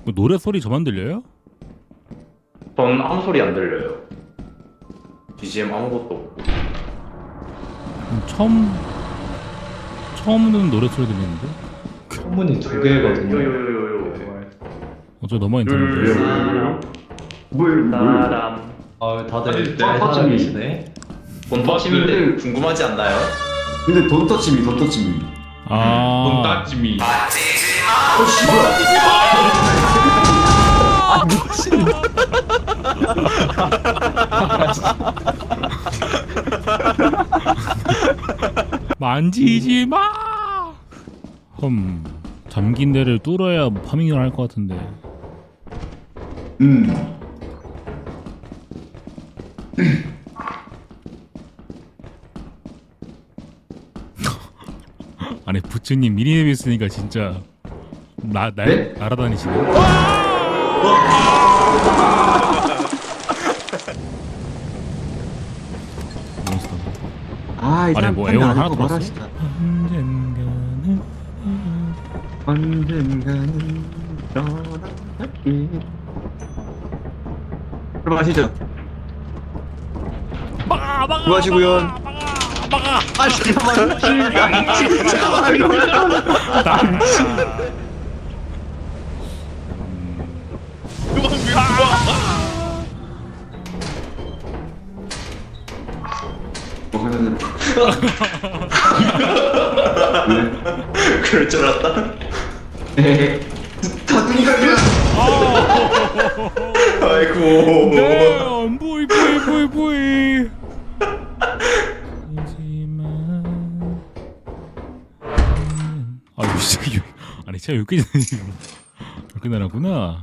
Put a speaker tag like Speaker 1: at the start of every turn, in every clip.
Speaker 1: 뭐 노래 소리 저만 들려요?
Speaker 2: 전 아무 소리 안 들려요. BGM 아무것도 없고.
Speaker 1: 처음 듣는 노래 소리 들리는데?
Speaker 3: 소문이 두 개거든요.
Speaker 2: 요요요요요.
Speaker 1: 저 너무 인터넷.
Speaker 2: 사람.
Speaker 3: 아 다들
Speaker 4: 아니,
Speaker 3: 잘
Speaker 4: 터치미.
Speaker 3: 살아계시네.
Speaker 2: 본터치인데 궁금하지 않나요?
Speaker 4: 근데 돈 터치미 돈 터치미.
Speaker 1: 아.
Speaker 5: 따지미.
Speaker 4: 어 씨발.
Speaker 1: 만지지 마. 잠긴 데를 뚫어야 파밍을 할 것 같은데. 아니 부츠님 미니맵 있으니까 진짜
Speaker 4: 네?
Speaker 1: 날아다니시네. 몬스터.
Speaker 4: 아,
Speaker 1: 아니, 뭐 애원 하나 더 봤어?
Speaker 4: 언젠가는 떠나갈게. 들어가시죠. 수고하시고요. 아 잠깐만.
Speaker 2: 그럴 줄 알았다.
Speaker 4: 다둥이가 그냥.
Speaker 2: 아이고.
Speaker 1: 네, 보이. 하지만 아, 진짜 아니 제가 여기 이렇게 나라구나.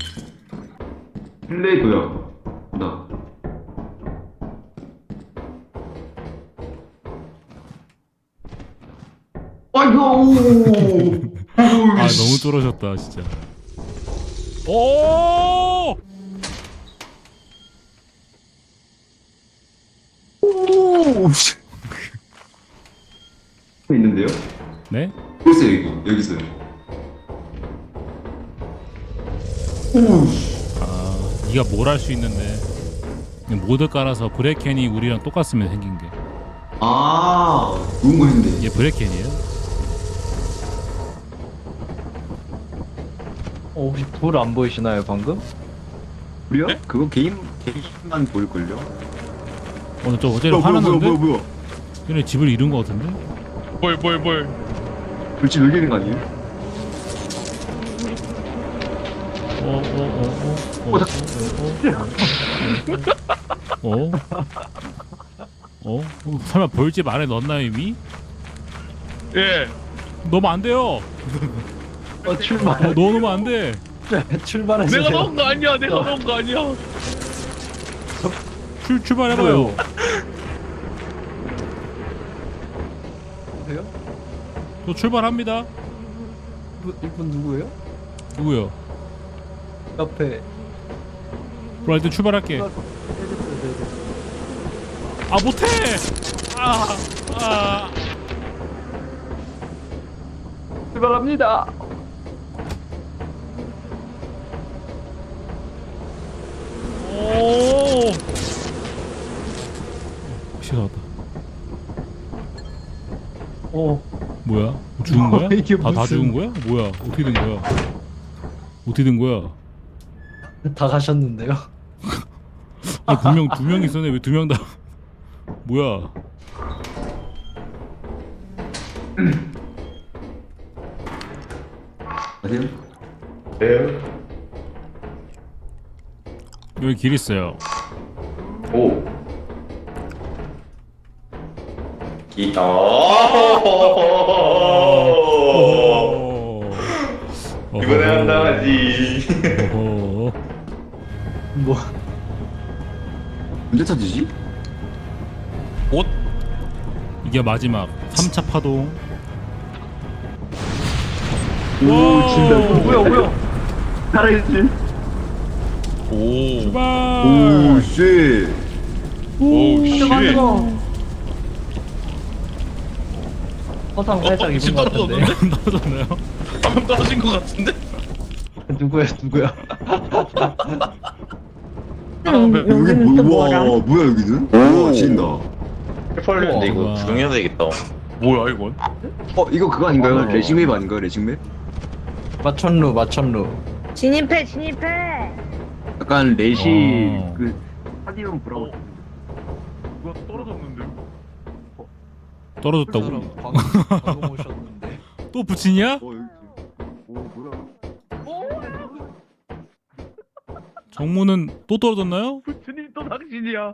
Speaker 4: 플레이고요. 나. 아이고.
Speaker 1: 아 너무 쫄아졌다 진짜. 오!
Speaker 4: 오. 있는데요?
Speaker 1: 네?
Speaker 4: 보세요 여기 있어요. 오.
Speaker 1: 아 네가 뭘 할 수 있는데 그냥 모드 깔아서 브레켄이 우리랑 똑같으면 생긴 게.
Speaker 4: 아, 좋은 거 했네.
Speaker 1: 얘 브레켄이에요?
Speaker 3: 혹시 돌 안 보이시나요 방금?
Speaker 4: 우리요? 그거 게임만 보일걸요?
Speaker 1: 저 어제 화났는데?
Speaker 4: 뭐야?
Speaker 1: 얘네 집을 잃은 거 같은데?
Speaker 5: 뭘.
Speaker 4: 불치 놀리는 거 아니에요?
Speaker 1: 설마 벌집 안에 넣었나요 이미?
Speaker 5: 예.
Speaker 1: 넣으면 안 돼요.
Speaker 3: 출발.
Speaker 1: 넣어놓으면 안 돼.
Speaker 3: 출발하세요.
Speaker 5: 내가 넣은 거 아니야. 내가 넣은 거 아니야.
Speaker 1: 출발해봐요.
Speaker 3: 보세요?
Speaker 1: 저 출발합니다.
Speaker 3: 이분 누구예요?
Speaker 1: 누구요?
Speaker 3: 옆에.
Speaker 1: 그럼 일단 출발할게. 아 못해. 아.
Speaker 3: 출발합니다.
Speaker 1: 오. 시간 왔다. 뭐야? 죽은 거야?
Speaker 3: 이게
Speaker 1: 다
Speaker 3: 무슨-
Speaker 1: 죽은 거야? 뭐야? 어떻게 된 거야? 어떻게 된 거야?
Speaker 3: 다 가셨는데요?
Speaker 1: 아니, 분명 두 명 있었네. 왜 두 명 다? 뭐야?
Speaker 4: 아세요?
Speaker 2: 네.
Speaker 1: 여기 길 있어요.
Speaker 2: 오. 기타. 이번에 한 당하지.
Speaker 1: 어허.
Speaker 3: 뭐
Speaker 4: 언제 터지지?
Speaker 1: 이게 마지막 3차 파동.
Speaker 4: 오, 진짜.
Speaker 3: 뭐야?
Speaker 4: 살아있지?
Speaker 5: 오.
Speaker 1: 출발.
Speaker 4: 오, 쉣.
Speaker 5: 오 씨.
Speaker 3: 화상 살짝 입은
Speaker 5: 집
Speaker 3: 것 같은데.
Speaker 5: 떨어졌는데?
Speaker 1: 떨어졌나요?
Speaker 5: 방금 떨어진 것 같은데?
Speaker 3: 누구야?
Speaker 4: 여기 뭐야? 뭐야 여기는? 우와 지린다.
Speaker 2: 펄렸는데 이거
Speaker 1: 우와.
Speaker 2: 구경해야 되겠다.
Speaker 5: 뭐야 이건?
Speaker 4: 이거 그거 아닌가요?
Speaker 3: 어.
Speaker 4: 레싱맵 아닌가요? 레싱맵?
Speaker 3: 마천루.
Speaker 6: 진입해.
Speaker 4: 약간 레시
Speaker 1: 어.
Speaker 4: 그 스타디움 브라우.
Speaker 5: 누가 떨어졌는데?
Speaker 1: 떨어졌다고?
Speaker 3: 방금 오셨는데.
Speaker 1: 또 붙이냐?
Speaker 4: 여기. 오 뭐야?
Speaker 1: 정모는 또 떨어졌나요?
Speaker 5: 부처님 또 당신이야.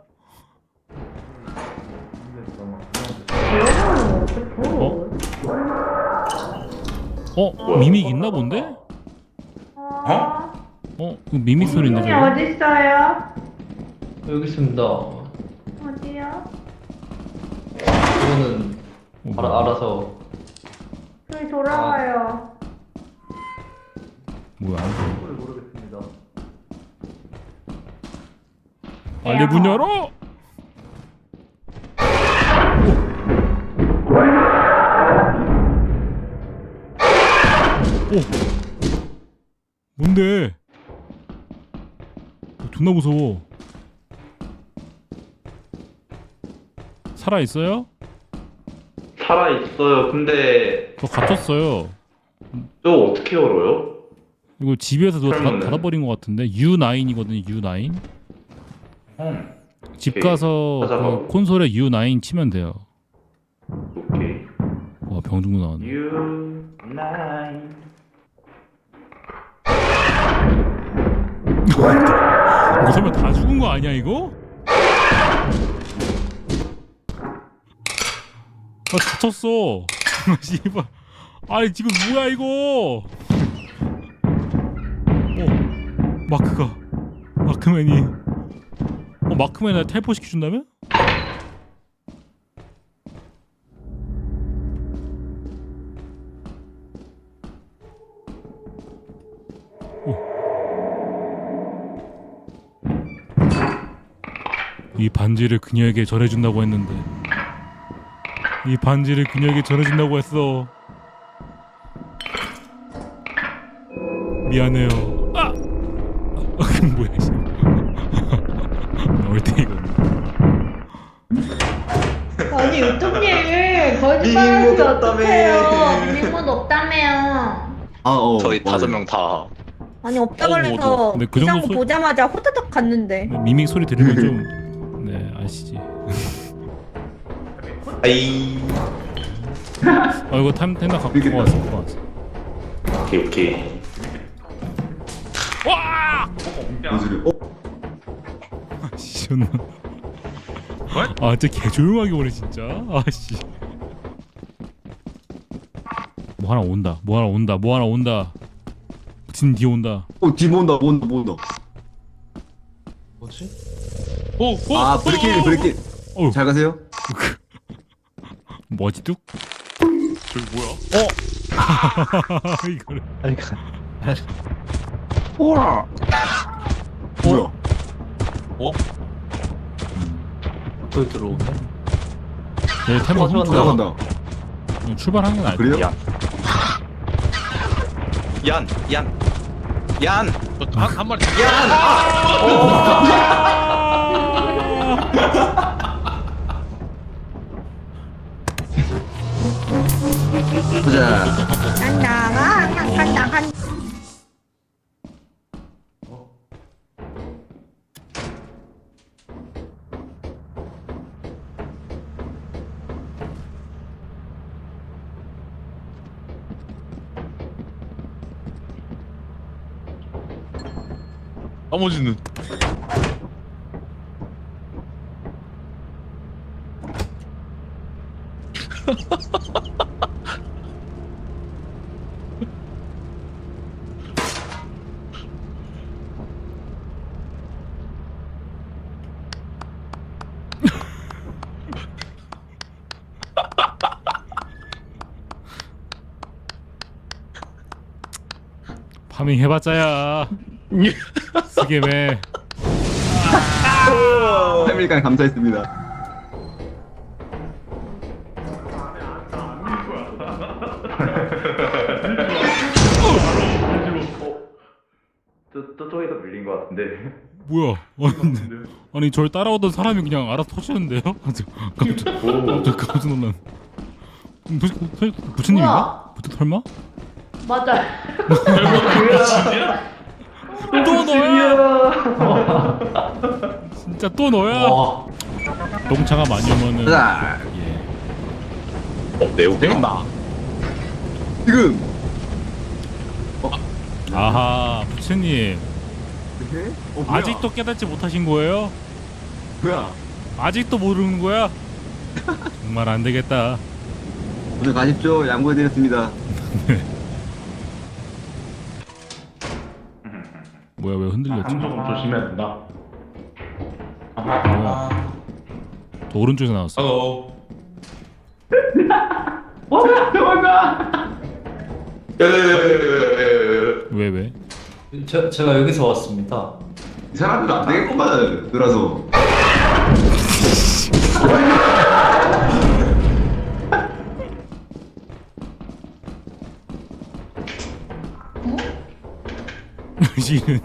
Speaker 1: 미믹 있나 본데?
Speaker 2: 어?
Speaker 1: 그 미믹 소리인데
Speaker 6: 형이
Speaker 1: 저거?
Speaker 6: 어딨어요?
Speaker 3: 여기 있습니다.
Speaker 6: 어디요?
Speaker 3: 이거는
Speaker 1: 뭐야.
Speaker 3: 알아서.
Speaker 6: 저기 돌아와요.
Speaker 1: 뭐야?
Speaker 3: 모르겠습니다.
Speaker 1: 빨리 문 열어! 오! 뭔데? 존나 무서워. 살아 있어요?
Speaker 2: 살아 있어요. 근데
Speaker 1: 저 갇혔어요.
Speaker 2: 저 어떻게 열어요?
Speaker 1: 이거 집에서 누가
Speaker 2: 설마네.
Speaker 1: 닫아버린 것 같은데 U9이거든요. U9. 집
Speaker 2: 오케이.
Speaker 1: 가서
Speaker 2: 찾아봐.
Speaker 1: 그 콘솔에 U9 치면 돼요.
Speaker 2: 오케이.
Speaker 1: 와 병중도 나왔네.
Speaker 2: U9.
Speaker 1: 이거 설마 다 죽은 거 아니야 이거? 아 다쳤어. 씨발. 아니 지금 뭐야 이거? 마크맨이. 마크맨 나 텔포 시켜준다며? 이 반지를 그녀에게 전해준다고 했는데 이 반지를 그녀에게 전해준다고 했어. 미안해요. 아! 뭐야 씨. 얼탱이가.
Speaker 6: 아니 유튜브님 거짓말하지 어떡해요. 미모도 없다며요.
Speaker 2: 저희 5명 다.
Speaker 6: 아니 없다
Speaker 1: 뭐,
Speaker 6: 그래서
Speaker 1: 근데 그 정도
Speaker 6: 이상
Speaker 1: 소-
Speaker 6: 보자마자 호다닥 갔는데.
Speaker 1: 미믹 소리 들으면 좀 네 아시지.
Speaker 2: 아이.
Speaker 1: 이거 텐다 갖고 왔어.
Speaker 2: 오케이.
Speaker 1: 와!
Speaker 4: 무슨 소리?
Speaker 1: 씨 존나. 아 진짜 개 조용하게 오네 진짜. 아씨. 뭐 하나 온다. 진 뒤에 온다.
Speaker 4: 뒤 모은다.
Speaker 3: 뭐지?
Speaker 4: 브레이킹.
Speaker 1: 어우.
Speaker 4: 잘 가세요.
Speaker 1: 뭐지 뚝?
Speaker 5: 저기 뭐야?
Speaker 1: 이거를.
Speaker 3: 아니
Speaker 4: 뭐야?
Speaker 3: 또 들어오네.
Speaker 1: 네, 템버 훔쳐.
Speaker 4: 나간다.
Speaker 1: 출발한 건 알고.
Speaker 4: 그래요?
Speaker 2: 얀.
Speaker 5: 한 마리.
Speaker 4: 보자.
Speaker 6: 간다.
Speaker 5: 나머지는
Speaker 1: 파밍 해봤자야. 스게메.
Speaker 4: 패밀리간 감사했습니다.
Speaker 2: 들린 것 같은데.
Speaker 1: 뭐야? 아니 저를 따라오던 사람이 그냥 알아서 터지는데요? 깜짝 놀란. 부처님인가? 설마?
Speaker 6: 맞아.
Speaker 1: 또 너야? 진짜 또 너야?
Speaker 3: 와.
Speaker 1: 똥차가 많이 오면은
Speaker 4: 자,
Speaker 1: 예.
Speaker 2: 매우 되겠다.
Speaker 4: 지금.
Speaker 1: 아하 부처님
Speaker 4: 뭐야?
Speaker 1: 아직도 깨닫지 못하신 거예요?
Speaker 4: 뭐야?
Speaker 1: 아직도 모르는 거야? 정말 안 되겠다.
Speaker 4: 오늘 가십시오. 양보해드렸습니다.
Speaker 1: 뭐야 왜 흔들렸지?
Speaker 2: 조금 조심해야 된다.
Speaker 1: 뭐야? 저 오른쪽에서 나왔어.
Speaker 2: 헬로. 도망가.
Speaker 1: 왜 왜?
Speaker 3: 제가 여기서 왔습니다.
Speaker 4: 이 사람들 안 되겠구만. 놀아서.
Speaker 1: 지는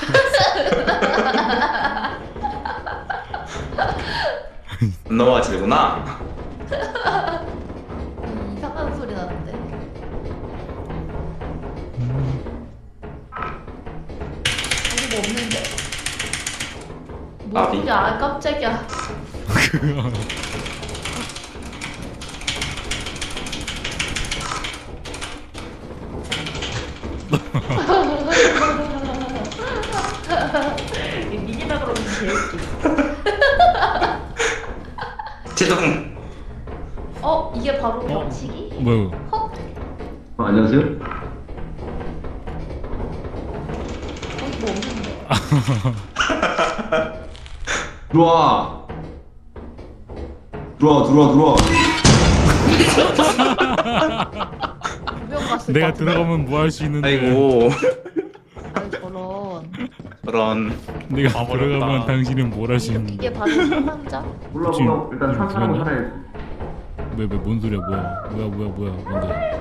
Speaker 2: 넘어가지구나.
Speaker 6: 이상한 소리 나는데. 아무도 없는데.
Speaker 2: 나비.
Speaker 6: 뭐지? 아 깜짝이야. 이 미니막으로 오면 재밌지.
Speaker 2: 제동.
Speaker 6: 이게 바로 법칙이?
Speaker 1: 뭐야?
Speaker 6: 헉?
Speaker 4: 안녕하세요.
Speaker 6: 거기 뭐 없는데?
Speaker 4: 들어와. 들어와.
Speaker 6: 구경 갔을
Speaker 1: 내가
Speaker 6: 것 같은데?
Speaker 1: 들어가면 뭐 할 수 있는데?
Speaker 2: 아이고.
Speaker 6: 아이, 저런.
Speaker 2: 그런.
Speaker 1: 내가
Speaker 5: 와버렸다.
Speaker 1: 들어가면 당신은 뭘 할 수 있는데?
Speaker 6: 이게 바로 상남자?
Speaker 4: 몰라.
Speaker 1: 지금
Speaker 4: 일단
Speaker 1: 지금
Speaker 4: 산사람은
Speaker 1: 죽었네?
Speaker 4: 살아야지.
Speaker 1: 왜뭔 소리야? 뭐야? 뭔데?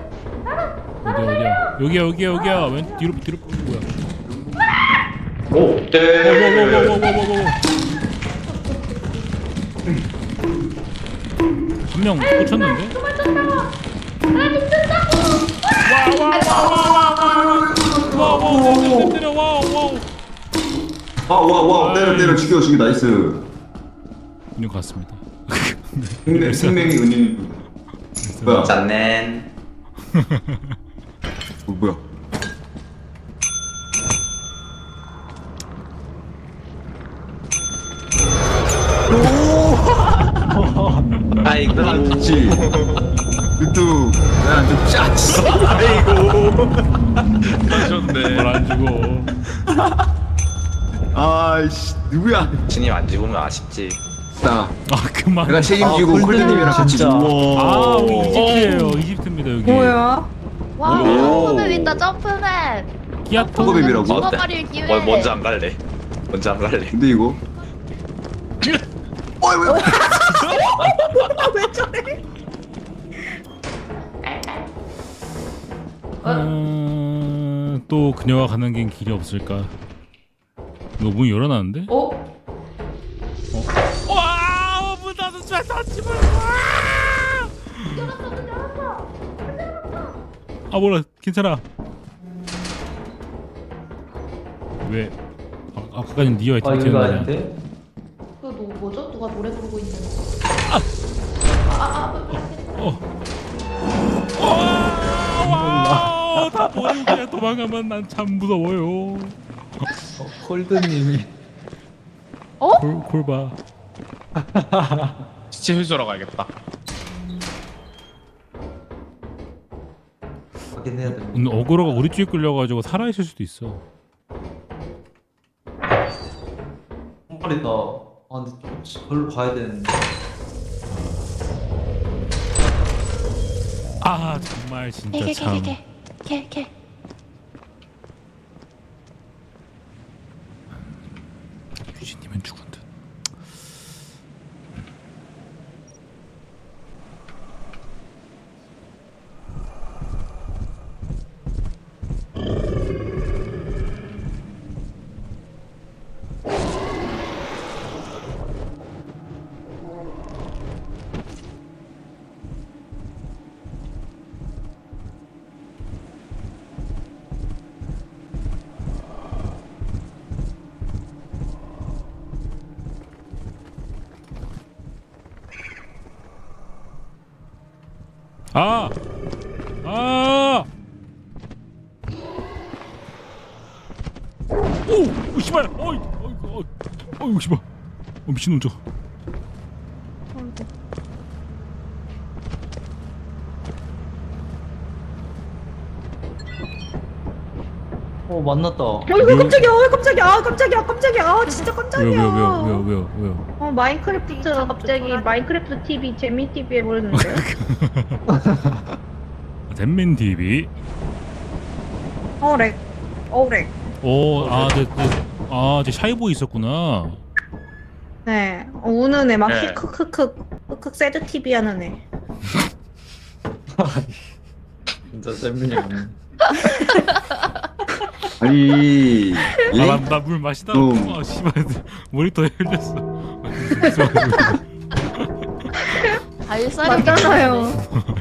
Speaker 1: 어디야? 여기야. 왼 뒤로 뭐야?
Speaker 2: 오. 네.
Speaker 1: 워워워워워워워. 한 명 꽂혔는데? 와와와와와와와와와와 때려 와와.
Speaker 4: 때려 죽여 나이스.
Speaker 1: 운영 갔습니다.
Speaker 4: 생명이 은인. 뭐야?
Speaker 2: 짠넨.
Speaker 4: 뭐야?
Speaker 2: 아이고.
Speaker 4: 그렇지. 뚜. 나좀 짜치.
Speaker 5: 하셨네.
Speaker 1: 뭘안 주고.
Speaker 4: 아이씨 누구야?
Speaker 2: 진님 안 죽으면 아쉽지.
Speaker 4: 나.
Speaker 1: 그만.
Speaker 4: 내가 책임지고 콜드님이랑 같이
Speaker 3: 진짜.
Speaker 1: 아 우리 이집트예요. 이집트입니다 여기.
Speaker 6: 와,
Speaker 2: 오.
Speaker 6: 점프맵 있다, 점프맵.
Speaker 1: 기아토.
Speaker 4: 호흡입이라고?
Speaker 6: 죽어버릴 기회.
Speaker 2: 먼저 안 갈래. 먼저 안 갈래.
Speaker 4: 근데 이거.
Speaker 1: 또 그녀와 가는 긴 길이 없을까? 이거 문 열어놨는데? 와, 문 닫았어, 닫지 마. 아 몰라, 괜찮아. 왜? 아까까지 니와
Speaker 3: 여기가
Speaker 1: 있던 거냐?
Speaker 3: 아닌데?
Speaker 6: 그거 뭐죠? 누가 노래 부르고 있는
Speaker 1: 와, 다 버리고 그냥 도망가면 난 참 무서워요.
Speaker 3: 콜드님이.
Speaker 1: 골 봐.
Speaker 5: 시체 회수하러 가야겠다.
Speaker 3: 확인해야 됩니다.
Speaker 1: 오늘 어그로가 우리 쪽에 끌려가지고 살아있을 수도 있어.
Speaker 3: 머리다. 아 근데 좀 저를 봐야 되는데.
Speaker 1: 아 정말 진짜 참.
Speaker 6: 걔.
Speaker 1: 유진님은 죽은 듯. 아! 아! 오! 씨발! 어이! 어이! 씨발! 미친놈 저거.
Speaker 3: 만났다.
Speaker 7: 이거 깜짝이야. 깜짝이야. 진짜 깜짝이야.
Speaker 1: 왜요?
Speaker 7: 마인크래프트 갑자기 마인크래프트 TV 재미 TV 해버렸는데요.
Speaker 1: 댄맨 TV.
Speaker 7: 렉. 렉.
Speaker 1: 제 샤이보이 있었구나.
Speaker 7: 네. 우는 애 막
Speaker 5: 네.
Speaker 7: 크크크 새드 TV 하는 애.
Speaker 3: 진짜 쌤이네.
Speaker 4: 아니 얘?
Speaker 1: 나물 마시다.
Speaker 4: 좀.
Speaker 1: 씨발 모니터에 흘렸어.
Speaker 6: 발사력
Speaker 7: 맞잖아요.